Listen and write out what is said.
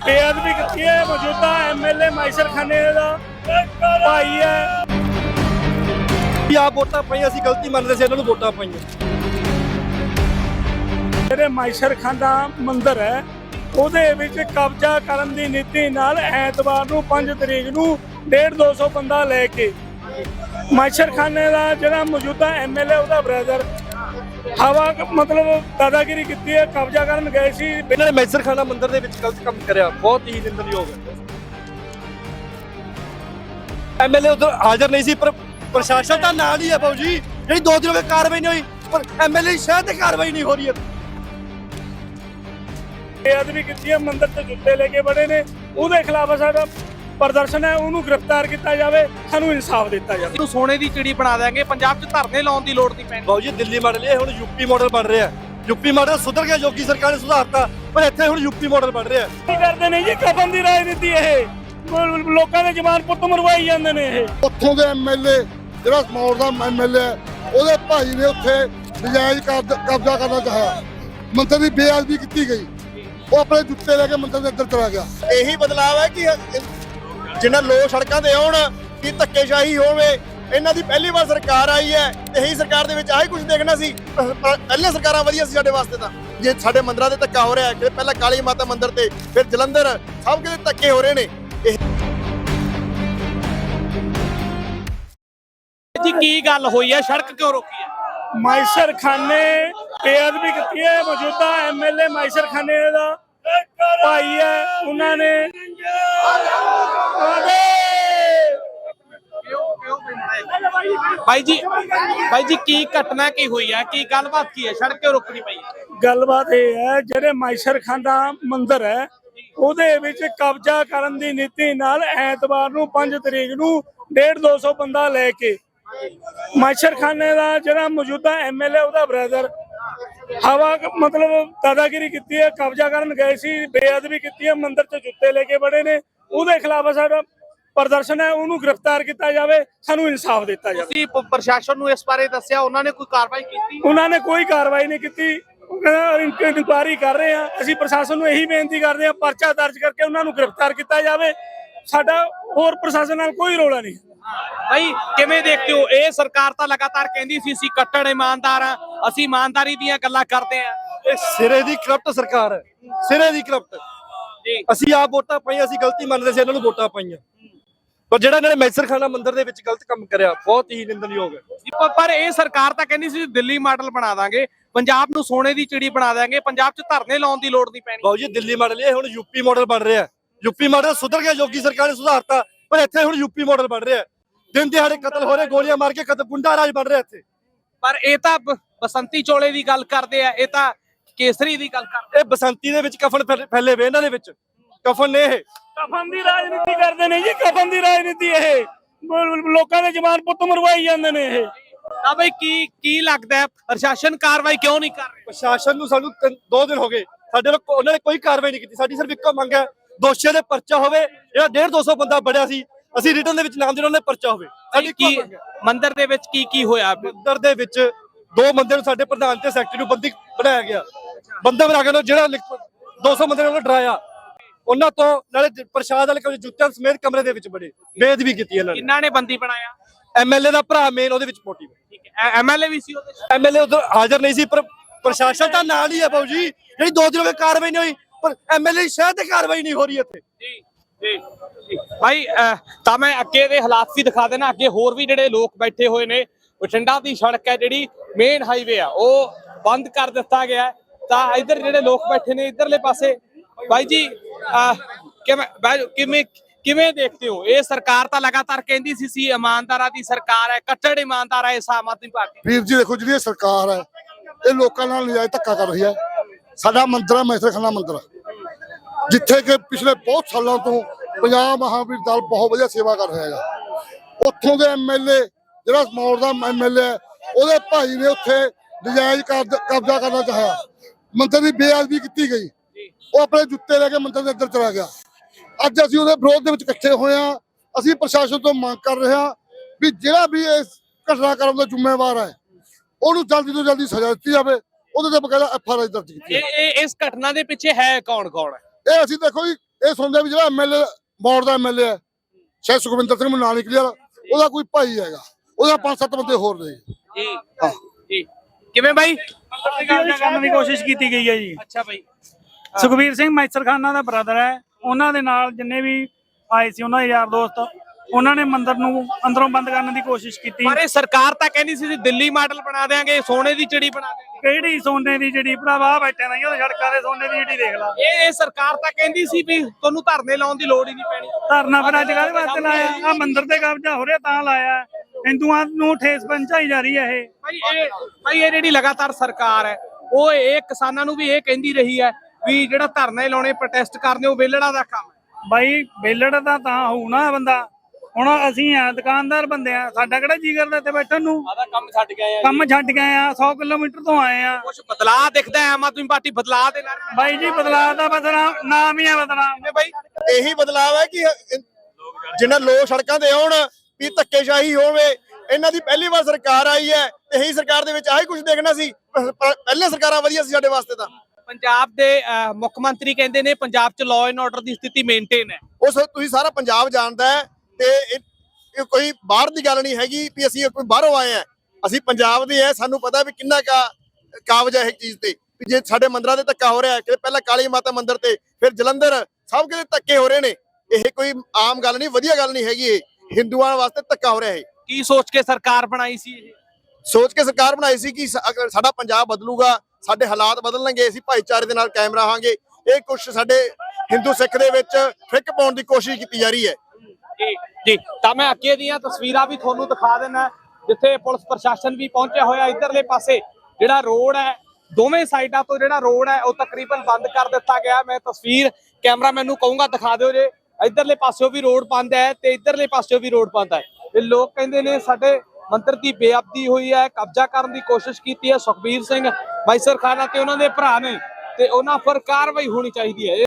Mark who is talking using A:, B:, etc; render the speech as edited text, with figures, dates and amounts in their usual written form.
A: ਬੇਅਦਬੀ ਕੀਤੀ ਹੈ। ਮੌਜੂਦਾ ਐਮਐਲਏ ਮਾਈਸਰ ਖਾਨੇ ਦਾ ਭਾਈ ਹੈ।
B: ਆਪ ਵੋਟਾਂ ਪਾਈਆਂ, ਅਸੀਂ ਗਲਤੀ ਮੰਨਦੇ ਸੀ, ਇਹਨਾਂ ਨੂੰ ਵੋਟਾਂ ਪਾਈਆਂ।
A: ਜਿਹੜੇ ਮਾਈਸਰ ਖਾਨਾ ਮੰਦਿਰ ਹੈ ਉਹਦੇ ਵਿੱਚ ਕਬਜ਼ਾ ਕਰਨ ਦੀ ਨੀਤੀ ਨਾਲ ਐਤਵਾਰ ਨੂੰ 5 ਤਰੀਕ ਨੂੰ 150-200 ਬੰਦਾ ਲੈ ਕੇ ਮਾਈਸਰ ਖਾਨੇ ਦਾ ਜਿਹੜਾ ਮੌਜੂਦਾ ਐਮਐਲਏ ਉਹਦਾ ਬ੍ਰਦਰ ਹਵਾ ਮਤਲਬ ਦਾਦਾਗਿਰੀ ਕੀਤੀ ਹੈ। ਕਬਜ਼ਾ ਕਰਨ ਗਏ ਸੀ।
B: ਇਹਨਾਂ ਨੇ ਮਾਈਸਰ ਖਾਨਾ ਮੰਦਿਰ ਦੇ ਵਿੱਚ ਗਲਤ ਕੰਮ ਕਰਿਆ, ਬਹੁਤ ਹੀ ਨਿੰਦਣਯੋਗ ਹੈ। ਐਮਐਲਏ ਉਧਰ ਹਾਜ਼ਰ ਨਹੀਂ ਸੀ, ਪਰ ਪ੍ਰਸ਼ਾਸਨ ਤਾਂ ਨਾਲ ਹੀ ਹੈ ਬਾਊ ਜੀ। ਜਿਹੜੀ 2 ਦਿਨ ਹੋ ਗਏ ਕਾਰਵਾਈ ਨਹੀਂ ਹੋਈ, ਪਰ ਐਮਐਲਏ ਸ਼ਹਿਰ ਤੇ ਕਾਰਵਾਈ ਨਹੀਂ ਹੋ ਰਹੀ ਹੈ।
A: ਬੇਅਦਬੀ ਕੀਤੀ ਹੈ, ਮੰਦਿਰ ਤੇ ਜੁੱਤੇ ਲੈ ਕੇ ਬੜੇ ਨੇ, ਉਹਦੇ ਖਿਲਾਫ ਸਾਡਾ ਪ੍ਰਦਰਸ਼ਨ ਹੈ। ਉਹਨੂੰ ਗ੍ਰਿਫਤਾਰ ਕੀਤਾ ਜਾਵੇ, ਸਾਨੂੰ ਇਨਸਾਫ ਦਿੱਤਾ ਜਾਵੇ।
C: ਨੂੰ ਸੋਨੇ ਦੀ ਚਿੜੀ ਬਣਾ ਦੇਾਂਗੇ, ਪੰਜਾਬ 'ਚ ਧਰਨੇ ਲਾਉਣ ਦੀ ਲੋੜ ਨਹੀਂ ਪੈਣੀ।
B: ਬਾਊ ਜੀ ਦਿੱਲੀ ਮਾਡਲ ਇਹ ਹੁਣ ਯੂਪੀ ਮਾਡਲ ਬਣ ਰਿਹਾ। ਯੂਪੀ ਮਾਡਲ ਸੁਧਰ ਗਿਆ, ਯੋਗੀ ਸਰਕਾਰ ਨੇ ਸੁਧਾਰਤਾ, ਪਰ ਇੱਥੇ ਹੁਣ ਯੂਪੀ ਮਾਡਲ ਬਣ ਰਿਹਾ।
A: ਕੀ ਕਰਦੇ ਨੇ ਜੀ ਕਫਨ ਦੀ ਰਾਜਨੀਤੀ? ਇਹ ਲੋਕਾਂ ਦੇ ਜਵਾਨ ਪੁੱਤ ਮਰਵਾਈ ਜਾਂਦੇ ਨੇ। ਇਹ
D: ਉੱਥੋਂ ਦੇ ਐਮਐਲਏ ਜਿਹੜਾ ਸਮੌਰ ਦਾ ਐਮਐਲਏ ਹੈ, ਉਹਦੇ ਭਾਈ ਨੇ ਉੱਥੇ ਨਜਾਇਜ਼ ਕਬਜ਼ਾ ਕਰਨਾ ਚਾਹਿਆ। ਮੰਤਰੀ ਦੀ ਬੇਅਦਬੀ ਕੀਤੀ ਗਈ, ਉਹ ਆਪਣੇ ਜੁੱਤੇ ਲੈ ਕੇ ਮੰਤਰੀ ਦੇ ਅੰਦਰ ਚਲਾ ਗਿਆ।
E: ਇਹੀ ਬਦਲਾਅ ਹੈ ਕਿ ਜਿਨ੍ਹਾਂ ਲੋਕ ਸੜਕਾਂ ਤੇ ਆਉਣ ਕਿ ਧੱਕੇਸ਼ਾਹੀ ਹੋਵੇ। ਇਹਨਾਂ ਦੀ ਪਹਿਲੀ ਵਾਰ ਸਰਕਾਰ ਆਈ ਹੈ, ਇਹੀ ਸਰਕਾਰ ਦੇ ਵਿੱਚ ਆਹੀ ਕੁਝ ਦੇਖਣਾ ਸੀ। ਪਹਿਲੇ ਸਰਕਾਰਾਂ ਵਧੀਆ ਸੀ ਸਾਡੇ ਵਾਸਤੇ। ਤਾਂ ਜੇ ਸਾਡੇ ਮੰਦਰਾਂ ਦੇ ਧੱਕਾ ਹੋ ਰਿਹਾ ਕਿ ਪਹਿਲਾਂ ਕਾਲੀ ਮਾਤਾ ਮੰਦਿਰ ਤੇ, ਫਿਰ ਜਲੰਧਰ, ਸਭ ਕਿਤੇ ਧੱਕੇ ਹੋ ਰਹੇ ਨੇ।
C: ਜੀ ਕੀ ਗੱਲ ਹੋਈ ਹੈ? ਸੜਕ ਕਿਉਂ ਰੋਕੀ ਹੈ?
A: ਮਾਈਸਰ ਖਾਨੇ ਬੇਅਦਬੀ ਕੀਤੀ ਹੈ। ਮੌਜੂਦਾ ਐਮਐਲਏ ਮਾਈਸਰ ਖਾਨੇ ਦਾ ਭਾਈ ਹੈ। ਉਹਨਾਂ ਨੇ
C: ਭਾਈ ਜੀ ਕੀ ਘਟਨਾ ਕੀ ਹੋਈ ਹੈ? ਕੀ ਗੱਲਬਾਤ ਕੀ ਹੈ? ਸੜਕ ਕਿਉਂ ਰੋਕਣੀ ਪਈ ਹੈ?
A: ਗੱਲਬਾਤ ਇਹ ਹੈ, ਜਿਹੜੇ ਮਾਈਸਰ ਖਾਨਾ ਮੰਦਿਰ ਹੈ ਉਹਦੇ ਵਿੱਚ ਕਬਜ਼ਾ ਕਰਨ ਦੀ ਨੀਤੀ ਨਾਲ ਐਤਵਾਰ ਨੂੰ 5 ਤਰੀਕ ਨੂੰ 150-200 ਬੰਦਾ ਲੈ ਕੇ ਮਾਈਸਰ ਖਾਨੇ ਦਾ ਜਿਹੜਾ ਮੌਜੂਦਾ ਐਮਐਲਏ ਉਹਦਾ ਬ੍ਰਦਰ ਹਵਾ ਮਤਲਬ ਦਾਦਾਗਿਰੀ ਕੀਤੀ ਹੈ। ਕਬਜ਼ਾ ਕਰਨ ਗਏ ਸੀ, ਬੇਅਦਬੀ ਕੀਤੀ ਹੈ, ਮੰਦਿਰ ਤੇ ਜੁੱਤੇ ਲੈ ਕੇ ਬੜੇ ਨੇ, ਉਹਦੇ ਖਿਲਾਫ ਸਾਡਾ ਪ੍ਰਦਰਸ਼ਨ ਹੈ। ਉਹਨੂੰ ਗ੍ਰਿਫਤਾਰ ਕੀਤਾ ਜਾਵੇ, ਸਾਨੂੰ ਇਨਸਾਫ ਦਿੱਤਾ ਜਾਵੇ।
C: ਤੁਸੀਂ ਪ੍ਰਸ਼ਾਸਨ ਨੂੰ ਇਸ ਬਾਰੇ ਦੱਸਿਆ, ਉਹਨਾਂ ਨੇ ਕੋਈ ਕਾਰਵਾਈ ਕੀਤੀ?
A: ਉਹਨਾਂ ਨੇ ਕੋਈ ਕਾਰਵਾਈ ਨਹੀਂ ਕੀਤੀ। ਉਹ ਕਹਿੰਦਾ ਇਨਕੁਆਇਰੀ ਕਰ ਰਹੇ ਆ। ਅਸੀਂ ਪ੍ਰਸ਼ਾਸਨ ਨੂੰ ਇਹੀ ਬੇਨਤੀ ਕਰਦੇ ਆ, ਪਰਚਾ ਦਰਜ ਕਰਕੇ ਉਹਨਾਂ ਨੂੰ ਗ੍ਰਿਫਤਾਰ ਕੀਤਾ ਜਾਵੇ। ਸਾਡਾ ਹੋਰ ਪ੍ਰਸ਼ਾਸਨ ਨਾਲ ਕੋਈ ਰੌਲਾ ਨਹੀਂ।
C: ਭਾਈ ਕਿਵੇਂ ਦੇਖਦੇ ਹੋ? ਇਹ ਸਰਕਾਰ ਤਾਂ ਲਗਾਤਾਰ ਕਹਿੰਦੀ ਸੀ ਅਸੀਂ ਕੱਟੜ ਇਮਾਨਦਾਰ ਆ, ਅਸੀਂ ਇਮਾਨਦਾਰੀ ਦੀਆਂ ਗੱਲਾਂ ਕਰਦੇ ਆ।
B: ਇਹ ਸਿਰੇ ਦੀ ਕਰਪਟ ਸਰਕਾਰ ਹੈ, ਸਿਰੇ ਦੀ ਕਰਪਟ।
C: ਜੀ
B: ਅਸੀਂ ਆਪ ਵੋਟਾਂ ਪਾਈਆਂ, ਅਸੀਂ ਗਲਤੀ ਮੰਨਦੇ ਸੀ, ਇਹਨਾਂ ਨੂੰ ਵੋਟਾਂ ਪਾਈਆਂ। ਪਰ ਜਿਹੜਾ ਇਹਨਾਂ ਨੇ ਮਾਈਸਰ ਖਾਨਾ ਮੰਦਿਰ ਦੇ ਵਿੱਚ ਗਲਤ ਕੰਮ ਕਰਿਆ, ਬਹੁਤ ਹੀ ਨਿੰਦਣਯੋਗ ਹੈ।
C: ਪਰ ਇਹ ਸਰਕਾਰ ਤਾਂ ਕਹਿੰਦੀ ਸੀ ਦਿੱਲੀ ਮਾਡਲ ਬਣਾ ਦਾਂਗੇ, ਪੰਜਾਬ ਨੂੰ ਸੋਨੇ ਦੀ ਚਿੜੀ ਬਣਾ ਦੇਾਂਗੇ, ਪੰਜਾਬ 'ਚ ਧਰਨੇ ਲਾਉਣ ਦੀ ਲੋੜ ਨਹੀਂ ਪੈਣੀ।
B: ਬਾਊ ਜੀ ਦਿੱਲੀ ਮਾਡਲ ਇਹ ਹੁਣ ਯੂਪੀ ਮਾਡਲ ਬਣ ਰਿਹਾ। ਯੂਪੀ ਮਾਡਲ ਸੁਧਰ ਗਿਆ, ਯੋਗੀ ਸਰਕਾਰ ਨੇ ਸੁਧਾਰਤਾ, ਪਰ ਇੱਥੇ ਹੁਣ ਯੂਪੀ ਮਾਡਲ ਬਣ ਰਿਹਾ। ਦਿਨ ਦਿਹਾੜੇ ਕਤਲ ਹੋ ਰਹੇ, ਗੋਲੀਆਂ ਮਾਰ ਕੇ ਗੁੰਡਾ ਰਾਜ ਬਣ ਰਿਹਾ ਇੱਥੇ।
C: ਪਰ ਇਹ ਤਾਂ ਬਸੰਤੀ ਚੋਲੇ ਦੀ ਗੱਲ ਕਰਦੇ ਆ, ਇਹ ਤਾਂ ਕੇਸਰੀ ਦੀ ਗੱਲ ਕਰਦੇ।
B: ਇਹ ਬਸੰਤੀ ਦੇ ਵਿੱਚ ਕਫਨ ਫੈਲੇ ਵੇ, ਇਹਨਾਂ ਦੇ ਵਿੱਚ ਕਫਨ ਨੇ। ਇਹ
A: ਕਫਨ ਦੀ ਰਾਜਨੀਤੀ ਕਰਦੇ ਨੇ ਜੀ, ਕਫਨ ਦੀ ਰਾਜਨੀਤੀ। ਇਹ ਲੋਕਾਂ ਦੇ ਜਵਾਨ ਪੁੱਤ ਮਰਵਾਈ ਜਾਂਦੇ ਨੇ। ਇਹ
C: ਤਾਂ ਬਈ ਕੀ ਲੱਗਦਾ ਹੈ ਪ੍ਰਸ਼ਾਸਨ ਕਾਰਵਾਈ ਕਿਉਂ ਨਹੀਂ ਕਰ ਰਿਹਾ?
B: ਪ੍ਰਸ਼ਾਸਨ ਨੂੰ ਸਾਨੂੰ 2 ਦਿਨ ਹੋ ਗਏ, ਸਾਡੇ ਨਾਲ ਉਹਨਾਂ ਨੇ ਕੋਈ ਕਾਰਵਾਈ ਨਹੀਂ ਕੀਤੀ। ਸਾਡੀ ਸਿਰਫ ਇੱਕੋ ਮੰਗ ਹੈ, ਦੋਸ਼ੀਆਂ ਦੇ ਪਰਚਾ ਹੋਵੇ। ਜਿਹੜਾ 150-200 ਬੰਦਾ ਬੜਿਆ ਸੀ, ਅਸੀਂ ਰਿਟਰਨ ਦੇ ਵਿੱਚ ਨਾਮ ਦੇਣਾ, ਉਹਨੇ ਪਰਚਾ ਹੋਵੇ। ਸਾਡੀ
C: ਕੀ ਮੰਦਿਰ ਦੇ ਵਿੱਚ ਕੀ ਹੋਇਆ?
B: ਮੰਦਿਰ ਦੇ ਵਿੱਚ 2 ਬੰਦੇ ਨੂੰ ਸਾਡੇ ਪ੍ਰਧਾਨ ਤੇ ਸੈਕਟਰੀ ਨੂੰ ਬੰਦੀ ਬਣਾਇਆ ਗਿਆ। ਬੰਦਾ ਬਣਾ ਕੇ ਜਿਹੜਾ 200 ਬੰਦੇ ਨੂੰ ਡਰਾਇਆ, ਉਹਨਾਂ ਤੋਂ ਨਾਲੇ ਪ੍ਰਸ਼ਾਦ ਵਾਲੇ ਜੁੱਤਿਆਂ ਸਮੇਤ ਕਮਰੇ ਦੇ ਵਿੱਚ ਬੜੇ ਬੇਅਦਬੀ ਕੀਤੀ ਇਹਨਾਂ ਨੇ।
C: ਕਿੰਨਾ ਨੇ ਬੰਦੀ ਬਣਾਇਆ?
B: ਐਮਐਲਏ ਦਾ ਭਰਾ ਮੇਨ ਉਹਦੇ ਵਿੱਚ ਮੋਟਿਵ ਹੈ।
C: ਠੀਕ ਹੈ, ਐਮਐਲਏ ਵੀ ਸੀ ਉਹਦੇ?
B: ਐਮਐਲਏ ਉਧਰ ਹਾਜ਼ਰ ਨਹੀਂ ਸੀ, ਪਰ ਪ੍ਰਸ਼ਾਸਨ ਤਾਂ ਨਾਲ ਹੀ ਹੈ ਬਾਊ ਜੀ। ਜਿਹੜੀ 2 ਦਿਨ ਹੋ ਗਏ ਕਾਰਵਾਈ ਨਹੀਂ ਹੋਈ, ਪਰ ਐਮਐਲਏ ਸ਼ਹਿਰ ਤੇ ਕਾਰਵਾਈ ਨਹੀਂ ਹੋ ਰਹੀ ਇੱਥੇ।
C: ਜੀ ਭਾਈ ਤਾਂ ਮੈਂ ਅੱਗੇ ਦੇ ਹਾਲਾਤ ਵੀ ਦਿਖਾ ਦੇਣਾ। ਅੱਗੇ ਹੋਰ ਵੀ ਜਿਹੜੇ ਲੋਕ ਬੈਠੇ ਹੋਏ ਨੇ। ਬਠਿੰਡਾ ਦੀ ਸੜਕ ਹੈ ਜਿਹੜੀ ਮੇਨ ਹਾਈਵੇ ਆ, ਉਹ ਬੰਦ ਕਰ ਦਿੱਤਾ ਗਿਆ। ਤਾਂ ਇੱਧਰ ਜਿਹੜੇ ਲੋਕ ਬੈਠੇ ਨੇ ਇਧਰਲੇ ਪਾਸੇ, ਭਾਈ ਜੀ ਕਿਵੇਂ ਦੇਖਦੇ ਹੋ? ਇਹ ਸਰਕਾਰ ਤਾਂ ਲਗਾਤਾਰ ਕਹਿੰਦੀ ਸੀ ਇਮਾਨਦਾਰਾਂ ਦੀ ਸਰਕਾਰ ਹੈ, ਕੱਟੜ ਇਮਾਨਦਾਰ ਹੈ ਇਸ ਆਮ ਆਦਮੀ ਪਾਰਟੀ।
D: ਵੀਰ ਜੀ ਦੇਖੋ, ਜਿਹੜੀ ਇਹ ਸਰਕਾਰ ਹੈ ਇਹ ਲੋਕਾਂ ਨਾਲ ਨਜਾਇਜ਼ ਧੱਕਾ ਕਰ ਰਹੀ ਹੈ। ਸਾਡਾ ਮੰਦਿਰ ਹੈ ਮਾਈਸਰ ਖਾਨਾ ਮੰਦਿਰ, ਜਿੱਥੇ ਕਿ ਪਿਛਲੇ ਬਹੁਤ ਸਾਲਾਂ ਤੋਂ ਪੰਜਾਬ ਮਹਾਵੀਰ ਦਲ ਬਹੁਤ ਵਧੀਆ ਸੇਵਾ ਕਰ ਰਿਹਾ ਹੈਗਾ। ਉੱਥੋਂ ਦੇ ਐਮਐਲਏ ਜਿਹੜਾ ਸਮੌਰ ਦਾ ਐਮਐਲਏ ਹੈ, ਉਹਦੇ ਭਾਈ ਨੇ ਉੱਥੇ ਨਜਾਇਜ਼ ਕਬਜ਼ਾ ਕਰਨਾ ਚਾਹਿਆ। ਮੰਤਰੀ ਦੀ ਬੇਅਦਬੀ ਕੀਤੀ ਗਈ, ਉਹ ਆਪਣੇ ਜੁੱਤੇ ਲੈ ਕੇ ਮੰਤਰੀ ਦੇ ਅੰਦਰ ਚਲਾ ਗਿਆ। ਅੱਜ ਅਸੀਂ ਉਹਦੇ ਵਿਰੋਧ ਦੇ ਵਿੱਚ ਇਕੱਠੇ ਹੋਏ ਹਾਂ। ਅਸੀਂ ਪ੍ਰਸ਼ਾਸਨ ਤੋਂ ਮੰਗ ਕਰ ਰਹੇ ਹਾਂ ਵੀ ਜਿਹੜਾ ਵੀ ਇਸ ਘਟਨਾ ਕਰਨ ਦਾ ਜ਼ਿੰਮੇਵਾਰ ਹੈ, ਉਹਨੂੰ ਜਲਦੀ ਤੋਂ ਜਲਦੀ ਸਜ਼ਾ ਦਿੱਤੀ ਜਾਵੇ। ਉਹਦੇ ਤੇ ਬਕਾਇਦਾ ਐਫਆਰਆਈ ਦਰਜ ਕੀਤੀ।
C: ਇਸ ਘਟਨਾ ਦੇ ਪਿੱਛੇ ਹੈ ਕੌਣ?
D: ਇਹ ਅਸੀਂ ਦੇਖੋ ਜੀ, ਇਹ ਸੁਣਦੇ ਵੀ ਜਿਹੜਾ ਐਮਐਲਏ ਮੌੜ ਦਾ ਐਮਐਲਏ ਹੈ ਸ਼ਾਇਦ ਸੁਖਵਿੰਦਰ ਸਿੰਘ ਮੈਨੂੰ ਨਾਂ ਨਹੀਂ ਕਲੀਅਰ, ਉਹਦਾ ਕੋਈ ਭਾਈ ਹੈਗਾ, ਉਹਦਾ 5-7 ਬੰਦੇ ਹੋਰ ਨੇ
C: ਜੀ ਜੀ ਕਿਵੇਂ ਬਾਈ
A: ਕਬਜ਼ਾ ਕਰਨ ਦੀ ਕੋਸ਼ਿਸ਼ ਕੀਤੀ ਗਈ ਹੈ ਜੀ।
C: ਅੱਛਾ ਬਾਈ
A: ਸੁਖਬੀਰ ਸਿੰਘ ਮੈਸਰ ਖਾਨਾ ਦਾ ਬ੍ਰਦਰ ਹੈ, ਉਹਨਾਂ ਦੇ ਨਾਲ ਜਿੰਨੇ ਵੀ ਆਏ ਸੀ ਉਹਨਾਂ ਦੇ ਯਾਰ ਦੋਸਤ, ਉਹਨਾਂ ਨੇ ਮੰਦਿਰ ਨੂੰ ਅੰਦਰੋਂ ਬੰਦ ਕਰਨ ਦੀ ਕੋਸ਼ਿਸ਼ ਕੀਤੀ।
C: ਪਰ ਇਹ ਸਰਕਾਰ ਤਾਂ ਕਹਿੰਦੀ ਸੀ ਦਿੱਲੀ ਮਾਡਲ ਬਣਾ ਦੇਾਂਗੇ, ਸੋਨੇ ਦੀ ਚਿੜੀ ਬਣਾ ਦੇਾਂਗੇ।
A: ਕਿਹੜੀ ਸੋਨੇ ਦੀ ਜਿਹੜੀ ਭਰਾਵਾ ਬੈਠੇ ਨਹੀਂ ਉਹ ਸੜਕਾਂ ਦੇ ਸੋਨੇ ਦੀ ਜਿਹੜੀ ਦੇਖ ਲਾ।
C: ਇਹ ਸਰਕਾਰ ਤਾਂ ਕਹਿੰਦੀ ਸੀ ਵੀ ਤੁਹਾਨੂੰ ਧਰਨੇ ਲਾਉਣ ਦੀ ਲੋੜ ਹੀ ਨਹੀਂ ਪੈਣੀ।
A: ਧਰਨਾ ਫਿਰ ਅੱਜ ਕੱਲ੍ਹ ਵਾਸਤੇ ਲਾਇਆ, ਆ ਮੰਦਿਰ ਤੇ ਕਬਜ਼ਾ ਹੋ ਰਿਹਾ ਤਾਂ ਲਾਇਆ। ਹਿੰਦੂਆਂ ਨੂੰ ਠੇਸ ਪਹੁੰਚਾਈ ਜਾ ਰਹੀ ਹੈ ਇਹ।
C: ਭਾਈ ਇਹ ਜਿਹੜੀ ਲਗਾਤਾਰ ਸਰਕਾਰ ਹੈ ਉਹ ਇਹ ਕਿਸਾਨਾਂ ਨੂੰ ਵੀ ਇਹ ਕਹਿੰਦੀ ਰਹੀ ਹੈ ਵੀ ਜਿਹੜਾ ਧਰਨੇ ਲਾਉਣੇ ਪ੍ਰੋਟੈਸਟ ਕਰਨੇ ਉਹ ਵੇਲੜਾ ਦਾ ਕੰਮ ਹੈ।
A: ਬਾਈ ਵੇਲੜ ਦਾ ਤਾਂ ਹੋਊ ਨਾ ਬੰਦਾ, ਹੁਣ ਅਸੀਂ ਆ ਦੁਕਾਨਦਾਰ ਬੰਦੇ ਆ, ਸਾਡਾ ਕਿਹੜਾ ਜੀ ਕਰਦਾ ਇੱਥੇ ਬੈਠਣ ਨੂੰ।
C: ਆਦਾ ਕੰਮ ਛੱਡ ਗਏ ਆ,
A: ਕੰਮ ਛੱਡ ਗਏ ਆ, 100 ਕਿਲੋਮੀਟਰ ਤੋਂ ਆਏ ਆ।
C: ਕੁਝ ਬਦਲਾਅ ਦਿਖਦਾ ਹੈ ਆਮ ਆਦਮੀ ਪਾਰਟੀ ਬਦਲਾਅ ਦੇ ਨਾਲ।
A: ਬਾਈ ਜੀ ਬਦਲਾਅ ਦਾ ਨਾਮ ਹੀ ਆ ਬਦਲਾਅ।
C: ਬਾਈ
E: ਇਹੀ ਬਦਲਾਅ ਹੈ ਕਿ ਜਿਨ੍ਹਾਂ ਲੋਕ ਸੜਕਾਂ ਤੇ ਆਉਣ ਵੀ ਧੱਕੇਸ਼ਾਹੀ ਹੋਵੇ। ਇਹਨਾਂ ਦੀ ਪਹਿਲੀ ਵਾਰ ਸਰਕਾਰ ਆਈ ਹੈ ਤੇ ਇਹੀ ਸਰਕਾਰ ਦੇ ਵਿੱਚ ਆਹੀ ਕੁਝ ਦੇਖਣਾ ਸੀ। ਪਹਿਲੇ ਸਰਕਾਰਾਂ ਵਧੀਆ ਸੀ ਸਾਡੇ ਵਾਸਤੇ ਤਾਂ।
C: ਪੰਜਾਬ ਦੇ ਮੁੱਖ ਮੰਤਰੀ ਕਹਿੰਦੇ ਨੇ ਪੰਜਾਬ 'ਚ ਲਾਅ ਐਂਡ ਆਰਡਰ ਦੀ ਸਥਿਤੀ ਮੇਨਟੇਨ ਹੈ।
E: ਉਸ ਤੁਸੀਂ ਸਾਰਾ ਪੰਜਾਬ ਜਾਣਦਾ ਹੈ ਤੇ ਇਹ ਕੋਈ ਬਾਹਰ ਦੀ ਗੱਲ ਨਹੀਂ ਹੈਗੀ ਵੀ ਅਸੀਂ ਕੋਈ ਬਾਹਰੋਂ ਆਏ ਆ। ਅਸੀਂ ਪੰਜਾਬ ਦੇ ਆ, ਸਾਨੂੰ ਪਤਾ ਵੀ ਕਿੰਨਾ ਕਾਬਜ ਹੈ ਇਹ ਚੀਜ਼ ਤੇ। ਵੀ ਜੇ ਸਾਡੇ ਮੰਦਿਰਾਂ ਤੇ ਧੱਕਾ ਹੋ ਰਿਹਾ ਕਿ ਪਹਿਲਾਂ ਕਾਲੀ ਮਾਤਾ ਮੰਦਿਰ ਤੇ ਫਿਰ ਜਲੰਧਰ ਸਭ ਕਿਤੇ ਧੱਕੇ ਹੋ ਰਹੇ ਨੇ, ਇਹ ਕੋਈ ਆਮ ਗੱਲ ਨਹੀਂ, ਵਧੀਆ ਗੱਲ ਨਹੀਂ ਹੈਗੀ। ਇਹ ਹਿੰਦੂਆਂ ਵਾਸਤੇ ਧੱਕਾ ਹੋ ਰਿਹਾ ਹੈ।
C: ਕੀ ਸੋਚ ਕੇ ਸਰਕਾਰ ਬਣਾਈ ਸੀ ਇਹ?
E: ਸੋਚ ਕੇ ਸਰਕਾਰ ਬਣਾਈ ਸੀ ਕਿ ਅਗਰ ਸਾਡਾ ਪੰਜਾਬ ਬਦਲੂਗਾ, ਸਾਡੇ ਹਾਲਾਤ ਬਦਲਣਗੇ, ਅਸੀਂ ਭਾਈਚਾਰੇ ਦੇ ਨਾਲ ਕਾਇਮ ਰਹਾਂਗੇ। ਇਹ ਕੁਝ ਸਾਡੇ ਹਿੰਦੂ ਸਿੱਖ ਦੇ ਵਿੱਚ ਫਿੱਕ ਪਾਉਣ ਦੀ ਕੋਸ਼ਿਸ਼ ਕੀਤੀ ਜਾ ਰਹੀ ਹੈ।
C: ਜੀ ਤਾਂ ਮੈਂ ਅੱਗੇ ਦੀਆਂ ਤਸਵੀਰਾਂ ਵੀ ਤੁਹਾਨੂੰ ਦਿਖਾ ਦੇਣਾ, ਜਿੱਥੇ ਪੁਲਿਸ ਪ੍ਰਸ਼ਾਸਨ ਵੀ ਪਹੁੰਚਿਆ ਹੋਇਆ। ਇਧਰਲੇ ਪਾਸੇ ਜਿਹੜਾ ਰੋਡ ਹੈ, ਦੋਵੇਂ ਸਾਈਡਾਂ ਤੋਂ ਜਿਹੜਾ ਰੋਡ ਹੈ ਉਹ ਤਕਰੀਬਨ ਬੰਦ ਕਰ ਦਿੱਤਾ ਗਿਆ। ਮੈਂ ਤਸਵੀਰ ਕੈਮਰਾਮੈਨ ਨੂੰ ਕਹੂੰਗਾ ਦਿਖਾ ਦਿਓ ਜੇ। ਇਧਰਲੇ ਪਾਸਿਓਂ ਵੀ ਰੋਡ ਬੰਦ ਹੈ ਤੇ ਇਧਰਲੇ ਪਾਸਿਓਂ ਵੀ ਰੋਡ ਬੰਦ ਹੈ। ਇਹ ਲੋਕ ਕਹਿੰਦੇ ਨੇ ਸਾਡੇ ਮੰਦਿਰ ਦੀ ਬੇਅਦਬੀ ਹੋਈ ਹੈ, ਕਬਜ਼ਾ ਕਰਨ ਦੀ ਕੋਸ਼ਿਸ਼ ਕੀਤੀ ਹੈ। ਸੁਖਬੀਰ ਸਿੰਘ ਮੈਸਰ ਖਾਨਾ ਤੇ ਉਹਨਾਂ ਦੇ ਭਰਾ ਨੇ ਤੇ ਉਹਨਾਂ ਪਰ ਕਾਰਵਾਈ ਹੋਣੀ ਚਾਹੀਦੀ ਹੈ।